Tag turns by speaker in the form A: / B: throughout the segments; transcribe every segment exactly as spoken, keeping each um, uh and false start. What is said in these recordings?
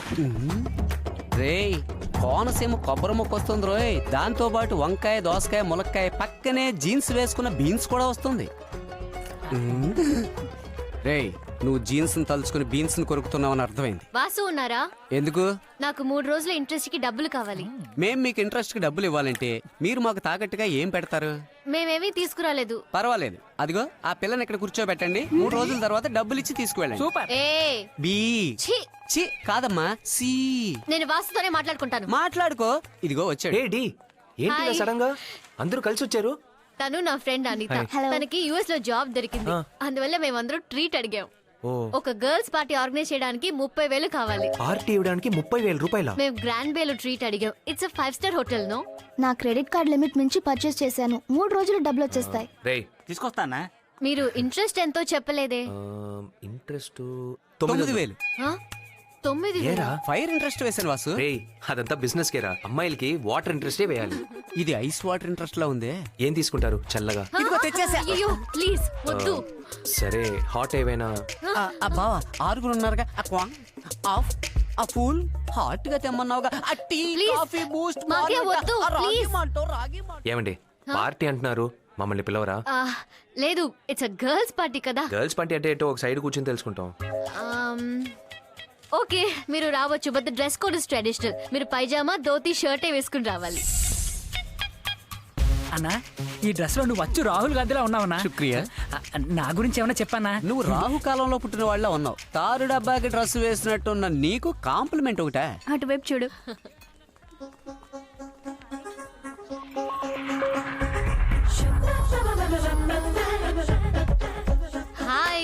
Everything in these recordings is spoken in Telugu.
A: రేయ్ కోనసీమ కొబ్బరి ముక్క వస్తుంది రోయ్, దాంతో పాటు వంకాయ, దోసకాయ, ములక్కాయ, పక్కనే జీన్స్ వేసుకున్న బీన్స్ కూడా వస్తుంది. రేయ్ నువ్వు జీన్స్ తలుచుకుని బీన్స్ కొరుకుతున్నావని అర్థమైంది.
B: వాసు ఉన్నారా?
A: ఎందుకు?
B: నాకు మూడు రోజుల ఇంట్రెస్ట్ కి డబ్బులు కావాలి.
A: మేం మీకు ఇంట్రెస్ట్ కి డబ్బులు ఇవ్వాలంటే మీరు మాకు తాకట్టుగా ఏం పెడతారు?
B: మేమేమీ తీసుకురాలేదు.
A: పర్వాలేదు, అదిగో ఆ పిల్లని ఇక్కడ కూర్చోబెట్టండి, మూడు రోజుల తర్వాత డబ్బులు ఇచ్చి తీసుకువెళ్ళండి.
C: సూపర్.
B: ఏ
A: బీ
B: ఛీ!
A: చి కాదమ్మా సి.
B: నేను వాసుతోనే మాట్లాడుకుంటాను.
A: మాట్లాడుకో. ఇదిగో వచ్చాడు.
D: ఏ డి ఏంటి ఇలా
B: హాయ్.
D: సడన్ గా అందరూ కలిసి వచ్చారు?
B: తను నా ఫ్రెండ్ అనిత.
D: హాయ్.
B: తనకి యుఎస్ లో జాబ్ దొరికింది, అందువల్ల మేమందరం ట్రీట్ అడిగాం.
D: ఓ
B: ఒక గర్ల్స్ పార్టీ ఆర్గనైజ్ చేయడానికి ముప్పై వేలు కావాలి.
D: పార్టీ ఇవ్వడానికి ముప్పై వేల రూపాయల?
B: మేము గ్రాండ్ బేలో ట్రీట్ అడిగాం. It's five star hotel. No,
E: నా క్రెడిట్ కార్డ్ లిమిట్ మించి పర్చేస్ చేశాను. మూడు రోజులు డబ్బులు వచ్చేస్తాయి.
D: రే
C: తీసుకొస్తానా?
B: మీరు ఇంట్రెస్ట్ ఎంతో చెప్పలేదే.
D: ఇంట్రెస్ట్
A: తొమ్మిది వేలు.
B: ఆ? తొమ్మిది వేలు?
D: ఏరా
A: ఫైర్ ఇంట్రెస్ట్ వేసాను వాసు.
D: రే అదంతా బిజినెస్ కేరా, అమ్మాయిలకి వాటర్ ఇంట్రెస్టే వేయాలి.
A: ఇది ఐస్ వాటర్ ఇంట్రెస్ట్ లా ఉందే.
D: ఏం తీసుకుంటారు చల్లగా?
B: ఆ? అయ్యో ప్లీజ్ వద్దు.
D: సరే హాట్ ఏవైనా?
A: ఆ, ఆ బావా ఆరుగురు ఉన్నారుగా, ఆ క్వాంగ్, ఆఫ్, ఆ ఫూల్ హాట్ గా తెమ్మన్నావుగా, ఆ టీ,
B: Please.
A: కాఫీ, బూస్ట్,
B: మాకే
A: మార్మోటా,
B: వద్దు,
A: ఆ రాగి
B: please.
A: మాల్టో, రాగి మాల్టో.
D: ఏమండి పార్టీ అంటున్నారు, మమ్మల్ని పిలవరా?
B: ఆ, లేదు, ఇట్స్ అ గర్ల్స్ పార్టీ కదా.
D: గర్ల్స్ పార్టీ అంటే ఏంటో ఒక సైడ్ కూర్చొని తెలుసుకుంటాం.
B: ఓకే మీరు రావచ్చు, but the dress code is traditional. మీరు పైజామా, ధోతి, షర్టే వేసుకుని రావాలి.
C: అన్నా ఈ డ్రెస్ లో నువ్వు వచ్చు రాహుల్ గాంధీలా ఉన్నావన్నా.
A: శుక్రియా.
C: ఆ, నా గురించి ఏమన్నా చెప్పానా?
A: నువ్వు రాహు కాలంలో పుట్టిన వాళ్ళ ఉన్నావు. తారు డబ్బాకి డ్రెస్ వేసినట్టున్న నీకు కాంప్లిమెంట్ ఒకటా?
B: అటువైపు చూడు. హాయ్.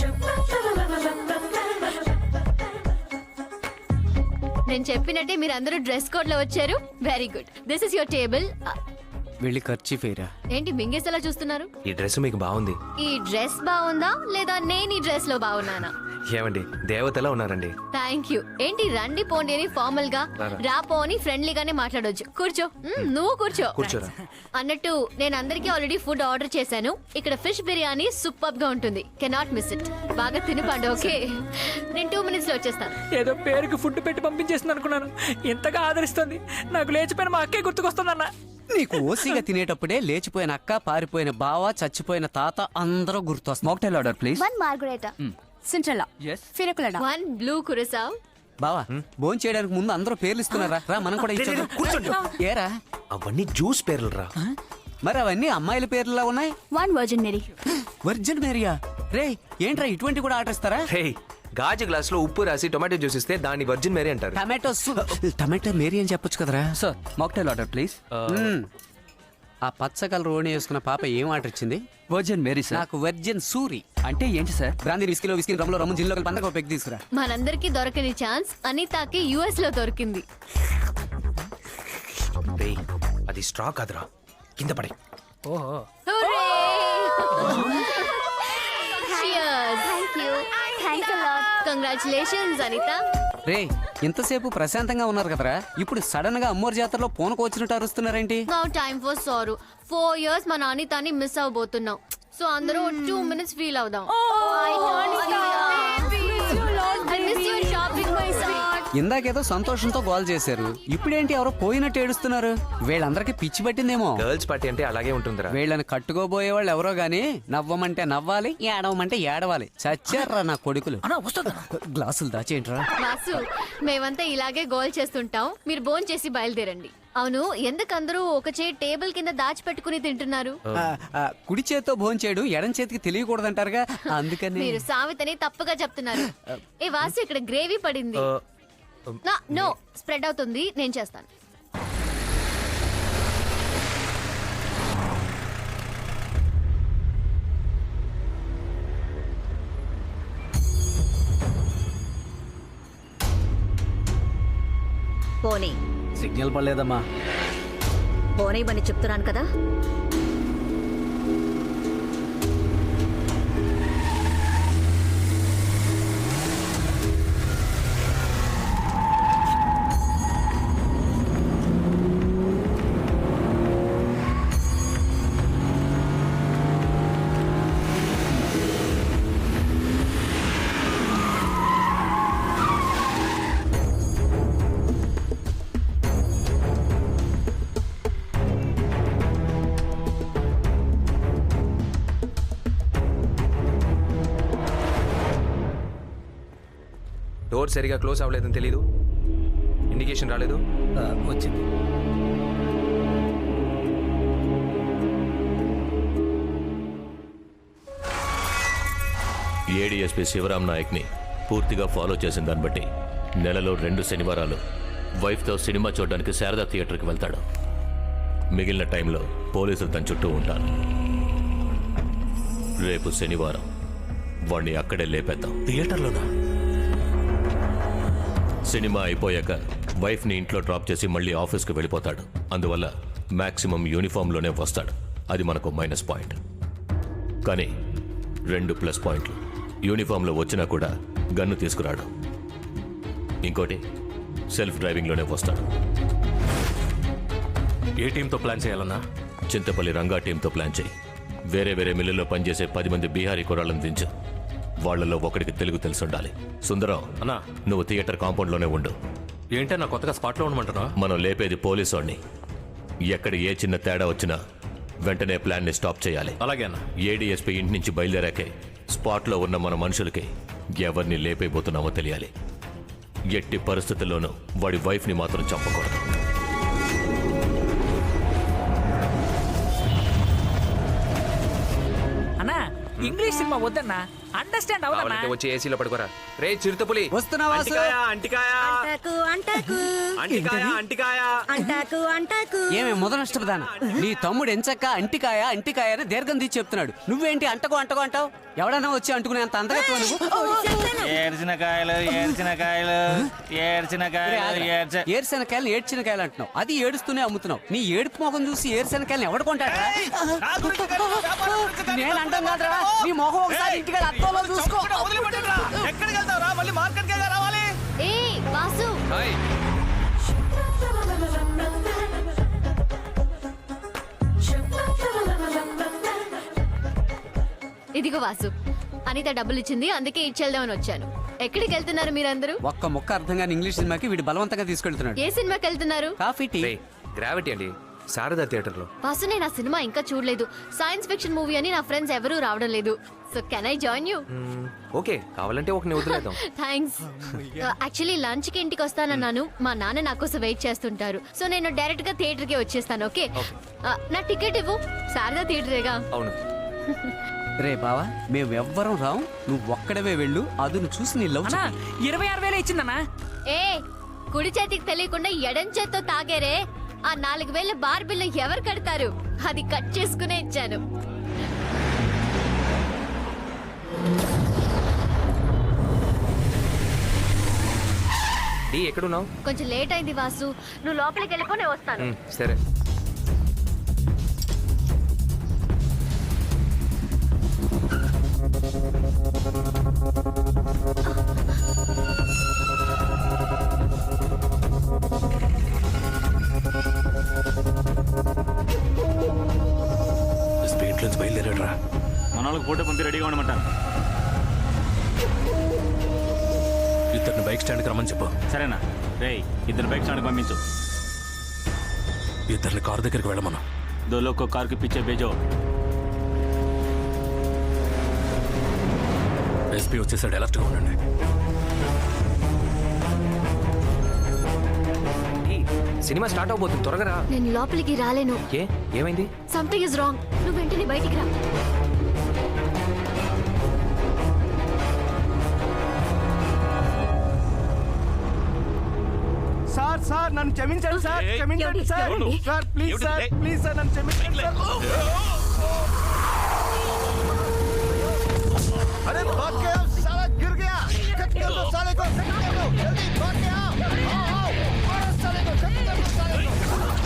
B: నేను చెప్పినట్టే మీరు అందరూ డ్రెస్ కోడ్ లో వచ్చారు. Very good. This is your table.
A: వెళ్ళి ఖర్చు ఫేరా.
B: ఏంటి మింగేసేలా చూస్తున్నారు?
D: ఈ డ్రెస్ మీకు బాగుంది.
B: ఈ డ్రెస్ బాగుందా లేదా నేను ఈ డ్రెస్ లో బాగున్నానా?
D: ఏమండి దేవతలా ఉన్నారండి.
B: Thank you. ఏంటి రండి పోండి అని ఫార్మల్ గా, రా పో అని ఫ్రెండ్లీగానే మాట్లాడొచ్చు. కూర్చో. మ్మ్, నువ్వు కూర్చో.
D: కూర్చోరా.
B: అన్నట్టు నేను అందరికీ ఆల్రెడీ ఫుడ్ ఆర్డర్ చేశాను. ఇక్కడ ఫిష్ బిర్యానీ సూపర్ గా ఉంటుంది. Cannot miss it. బాగా తినిపండి. ఓకే, నేను టూ మినిట్స్ లో వచ్చేస్తాను.
C: ఏదో పేరుకి ఫుడ్ పెట్టి పంపించేస్తుంది అనుకున్నాను. ఇంతగా ఆదరిస్తుంది. నాకు లేచిపోయిన మా అక్కే గుర్తుకొస్తుందన్నా.
A: నీకు ఓసీగా తినేటప్పుడే లేచిపోయిన అక్క, పారిపోయిన బావ, చచ్చిపోయిన తాత అందరూ గుర్తొస్తారు.
F: Mocktail order please.
E: One margarita.
F: సింట్రెల్లా.
C: Yes.
F: ఫిరకులడా.
B: One blue curacao.
A: బావా భోజనం చేయడానికి ముందు అందరూ పేర్లు ఇస్తున్నారా? రా మనం కూడా ఇచ్చాం.
D: కూర్చోండి.
A: ఏరా
D: అవన్నీ జ్యూస్ పేర్లు రా.
A: మరి అవన్నీ అమ్మాయిల పేర్లులా ఉన్నాయి.
F: One virgin Mary.
A: వర్జిన్ మేరియా? రే ఏంట్రా ఇటువంటి కూడా ఆర్డర్ ఇస్తారా?
D: హే గాజు గ్లాస్ లో ఉప్పు రాసి టొమాటో జ్యూస్ ఇస్తే దాన్ని వర్జిన్ మేరీ అంటారు.
A: టమాటో టమాటో మేరీ అని చెప్పొచ్చు కదరా.
F: Sir mocktail order please.
A: మ్మ్. ఆ పచ్చ కలర్ ఓణి వేసుకున్న పాప ఏం ఆర్డర్ ఇచ్చింది?
F: Virgin Mary sir.
A: నాకు వర్జిన్ సూరి.
F: అంటే ఏంటి సార్?
A: బ్రాందీ విస్కీలో విస్కీ రమ్లో రమ్ము జిల్లో పండగ పెగ్ తీసుకురా.
B: మనందరికీ దొరకని ఛాన్స్ అనితాకి యుఎస్ లో దొరికింది.
D: రేయ్, అది స్ట్రా కాదురా, కింద పడే.
C: ఓహో.
E: Thank you. Thanks a lot.
B: Congratulations Anitha.
A: రే ఇంతసేపు ప్రశాంతంగా ఉన్నారు కదరా, ఇప్పుడు సడన్ గా అమ్మోరు జాతరలో పూనకు వచ్చినట్టు అరుస్తున్నారేంటి?
B: నౌ టైమ్ ఫర్ సారు. ఫోర్ ఇయర్స్ మన అనితాని మిస్ అవబోతున్నాం. సో అందరూ టూ మినిట్స్ ఫీల్ అవుదాం.
A: ఇందాకేదో సంతోషంతో గోల్ చేశారు, ఇప్పుడేంటి ఎవరో పోయినట్టు ఏడుస్తున్నారు? వీళ్ళందరికీ పిచ్చి పట్టిందేమో.
D: గర్ల్స్ పార్టీ అంటే అలాగే ఉంటుందిరా.
A: వీళ్ళని కట్టుకోబోయే వాళ్ళు ఎవరో గానీ నవ్వమంటే నవ్వాలి, ఏడవమంటే ఏడవాలి. చచ్చారా నా కొడుకులు.
C: అన్నా వస్తుందా?
A: గ్లాసులు దాచేంట్రా.
B: వాసు, మేమంతా ఇలాగే గోల్ చేస్తుంటాం. మీరు భోన్ చేసి బయలుదేరండి. అవును, ఎందుకందరూ ఒక చే టేబుల్ కింద దాచిపెట్టుకుని తింటున్నారు?
A: ఆ, ఆ, కుడి చేత్తో భోజనం చేయడం ఎడం చేతికి తెలియకూడదంటారుగా, అందుకని.
B: మీరు సామెతని తప్పుగా చెప్తున్నారు. ఏ వాసు, ఇక్కడ గ్రేవీ పడింది. నా- నో స్ప్రెడ్ అవుతుంది, నేను చేస్తాను.
G: పోనీ
A: సిగ్నల్ పడలేదమ్మా.
G: పోనీయమని చెప్తున్నాను కదా.
D: డోర్ సరిగా క్లోజ్ అవ్వలేదని తెలీదు, ఇండికేషన్ రాలేదు.
C: వచ్చింది.
H: ఏడీఎస్పీ శివరామ్ నాయక్ని పూర్తిగా ఫాలో చేసిన దాన్ని బట్టి నెలలో రెండు శనివారాలు వైఫ్తో సినిమా చూడడానికి శారదా థియేటర్కి వెళ్తాడు. మిగిలిన టైంలో పోలీసులు తన చుట్టూ ఉంటారు. రేపు శనివారం వాణ్ణి అక్కడే లేపేద్దాం.
I: థియేటర్లోనా?
H: సినిమా అయిపోయాక వైఫ్ని ఇంట్లో డ్రాప్ చేసి మళ్ళీ ఆఫీస్కి వెళ్ళిపోతాడు. అందువల్ల మ్యాక్సిమం యూనిఫామ్లోనే వస్తాడు. అది మనకు మైనస్ పాయింట్. కానీ రెండు ప్లస్ పాయింట్లు, యూనిఫామ్లో వచ్చినా కూడా గన్ను తీసుకురాడు. ఇంకోటి, సెల్ఫ్ డ్రైవింగ్లోనే వస్తాడు.
I: ఏ టీంతో ప్లాన్ చేయాలన్నా?
H: చింతపల్లి రంగా టీంతో ప్లాన్ చేయి. వేరే వేరే మిల్లుల్లో పనిచేసే పది మంది బీహారీ కుర్రాళ్ళని దించు. వాళ్లలో ఒకడికి తెలుగు తెలిసి ఉండాలి. సుందరం
I: అన్నా,
H: నువ్వు థియేటర్ కాంపౌండ్లోనే ఉండు.
I: ఏంటన్నా కొత్తగా స్పాట్లో ఉండమంటున్నా?
H: మనం లేపేది పోలీసు వాడిని. ఎక్కడ ఏ చిన్న తేడా వచ్చినా వెంటనే ప్లాన్ని స్టాప్ చేయాలి.
I: అలాగే అన్న.
H: ఏడీఎస్పీ ఇంటి నుంచి బయలుదేరాకే స్పాట్లో ఉన్న మన మనుషులకి ఎవరిని లేపైపోతున్నామో తెలియాలి. ఎట్టి పరిస్థితుల్లోనూ వాడి వైఫ్ని మాత్రం చంపకూడదు.
C: అన్నా, ఇంగ్లీష్ సినిమా వద్దన్నా, అండర్స్టాండ్ అవునా?
D: కావాలంటే వచ్చి ఏసీలో పడుకోరా. రే చిరుతపులి,
A: వస్తున్నావా
D: అంటికాయ అంటికాయ
G: అంటాకు అంటాకు
D: అంటికాయ అంటికాయ.
G: అంటాకు అంటాకు
A: ఏమే ముదనష్టపదాన, నీ తమ్ముడు ఎంచక్క అంటికాయ అంటికాయ అని దీర్ఘం తీసి చెప్తున్నాడు. నువ్వేంటి అంటకో అంటకో అంటావు? ఎవడన్నా వచ్చి అంటుకునే అంత అందగత్వం నువ్వు?
J: ఏడ్చిన కాయలు ఏడ్చిన కాయలు ఏడ్చిన కాయలు ఏడ్చ
A: ఏరుశనకాయలు ఏడ్చిన కాయలు అంటున్నావు. అది ఏడుస్తూనే అమ్ముతున్నావు. నీ ఏడుపు మొఖం చూసి ఏరుశనకాయలు ఎవడు కొంటాడా? నేను అంటాం కాదురా, నీ మొహం ఒకసారి ఇంటికి అద్దంలో చూసుకో.
J: ఎక్కడికి వెళ్తావురా? మళ్ళీ మార్కెట్ కి రావాలి.
B: ఏ వాసు,
D: హాయ్.
B: ఇదిగో వాసు, అనిత డబ్బులు ఇచ్చింది, అందుకే ఇచ్చేద్దామని వచ్చాను. ఎక్కడికి వెళ్తున్నారు మీరందరూ?
A: ఒక్క మొక్క అర్థం కాని ఇంగ్లీష్ సినిమాకి వీడు బలవంతంగా తీసుకెళ్తున్నాడు.
B: ఏ సినిమాకి వెళ్తున్నారు?
A: Coffee tea.
D: రే గ్రావిటీ అండి, శారదా థియేటర్లో.
B: వాసు, నేను ఆ సినిమా ఇంకా చూడలేదు. సైన్స్ ఫిక్షన్ మూవీ అని నా ఫ్రెండ్స్ ఎవరూ రావడం లేదు. So can I join you?
D: Okay, కావాలంటే ఒక వదిలేద్దాం.
B: థ్యాంక్స్. యాక్చువల్లీ లంచ్ కి ఇంటికి వస్తానన్నాను. మా నాన్న నా కోసం వెయిట్ చేస్తుంటారు. సో నేను డైరెక్ట్ గా థియేటర్ కి వచ్చేస్తాను. ఓకే, నా టికెట్ ఇవ్వు. శారదా థియేటరేగా.
D: అవును.
A: రే బావా, మేమెవ్వరం రావు, నువ్వు ఒక్కడవే వెళ్ళు. అదును చూసి నీ లవ్
C: అన్నా, ఇరవై ఆరు వేలు ఇచ్చిందన్నా.
B: ఏ కుడి చేతికి తెలియకుండా ఎడం చేత్తో తాగారే, ఆ నాలుగు వేల బార్ బిల్లు ఎవరు కడతారు? అది కట్ చేసుకునే ఇచ్చాను.
D: డి ఎక్కడున్నావు?
B: కొంచెం లేట్ అయింది వాసు, నువ్వు లోపలికి వెళ్ళిపో, నేను వస్తాను.
D: మ్, సరే.
I: స్పీడ్ నుంచి బయలుదేరాడురా.
J: మన వాళ్ళకి ఫోటో పంపి రెడీగా ఉండమంటాను.
I: ఇద్దరిని బైక్ స్టాండ్కి రమ్మని చెప్పు.
J: సరేనా? రేయ్, ఇద్దరు బైక్ స్టాండ్కి పంపించు.
I: ఇద్దరిని కారు దగ్గరికి వెళ్ళమను.
J: दो लोग को कार के पीछे भेजो.
I: ఎస్పీ వచ్చేసాడు, అలర్ట్గా ఉండండి.
D: డి, సినిమా స్టార్ట్ అవబోతుంది, త్వరగా రా.
B: నేను లోపలికి రాలేను.
D: ఏ ఏమైంది?
B: Something is wrong. నువ్వు వెంటనే బయటికి రా.
J: సార్ సార్ నన్ను క్షమించండి సార్, క్షమించండి sir. Sir please sir, please sir నన్ను క్షమించండి సార్. अरे भाग के आओ, साला गिर गया. कट कर दो साले को, कट कर दो, जल्दी भाग के आओ. आओ आओ, मारो साले को, कट कर दो साले को.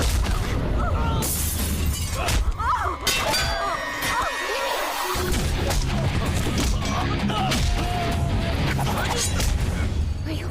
B: అయ్యో,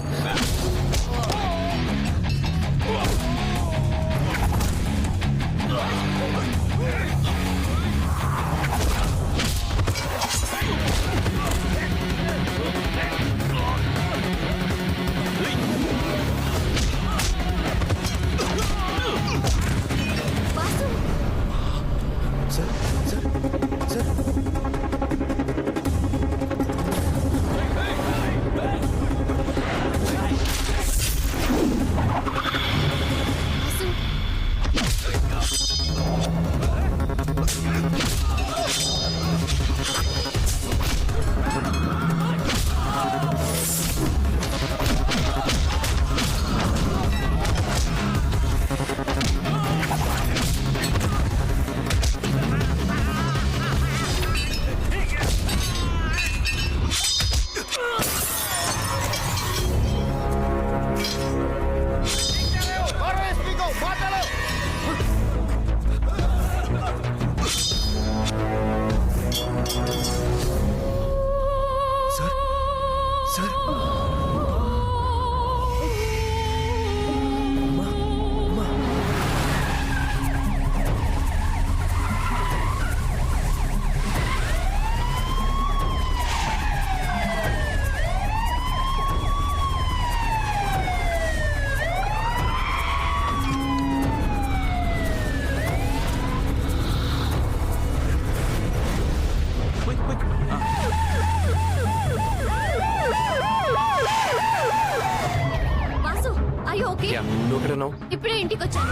B: ఆర్ యు ఓకే?
D: యా నువ్వు ఎక్కడున్నావు?
B: ఇప్పుడే ఇంటికి వచ్చాను.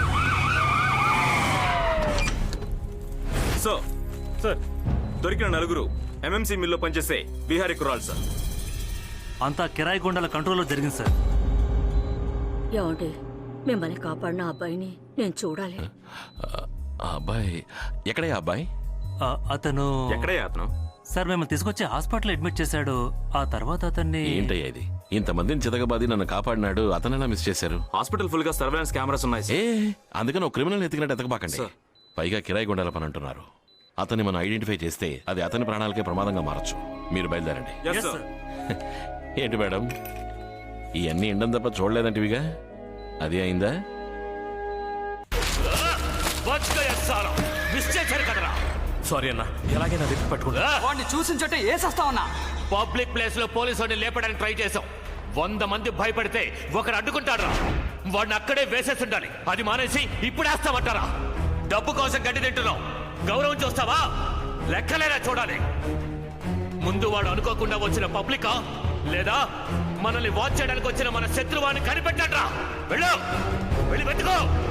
K: సో సార్ దొరికిన నలుగురు ఎంఎంసీ మిల్లో పనిచేసే బీహారీ కుర్రాళ్ళు సార్.
I: అంతా కిరాయి గుండాల కంట్రోల్లో జరిగింది సార్.
G: ఏమండి మిమ్మల్ని కాపాడిన అబ్బాయిని నేను చూడాలి.
I: ఆ అబ్బాయి ఎక్కడే అబ్బాయి? అతను
K: ఎక్కడయ్యా అతను?
I: సార్ మిమ్మల్ని తీసుకొచ్చి హాస్పిటల్ అడ్మిట్ చేశాడు. ఆ తర్వాత అతన్ని
L: ఏంటయ్యా ఇది? ఇంతమందిని చితకబాది నన్ను కాపాడినాడు, అతనెలా మిస్ చేశారు?
K: హాస్పిటల్ ఫుల్ గా సర్వేలెన్స్ కెమెరాస్ ఉన్నాయి
L: ఏ
K: సార్.
L: అందుకని ఒక క్రిమినల్ ఎత్తికినట్టు ఎతకబాకండి.
K: సార్.
L: పైగా కిరాయి గుండాల పని అంటున్నారు. అతన్ని మనం ఐడెంటిఫై చేస్తే అది అతని ప్రాణాలకే ప్రమాదంగా మారచ్చు. మీరు బయలుదేరండి.
K: Yes, sir.
L: ఏంటి మేడం, ఇవన్నీ ఎండం తప్ప చూడలేదంటివిగా? అది అయిందా?
I: సారీ అన్న, ఎలాగైనా వెతికి పట్టుకుంటా.
A: వాడిని చూసిన చోట ఏసేస్తా ఉన్నా.
H: పబ్లిక్ ప్లేస్ లో పోలీసు వాడిని లేపడానికి ట్రై చేశాం. వంద మంది భయపడితే ఒకడు అడ్డుకుంటాడు. వాడిని అక్కడే వేసేసి ఉండాలి. అది మానేసి ఇప్పుడు వేస్తామంటారా? డబ్బు కోసం గడ్డి తింటున్నాం, గౌరవం చూస్తావా? లెక్కలేనా చూడాలి. ముందు వాడు అనుకోకుండా వచ్చిన పబ్లికా లేదా మనల్ని వాచ్ చేయడానికి వచ్చిన మన శత్రువాన్ని కనిపెట్టండి రా. వెళ్ళు, వెళ్ళి వెతుకో.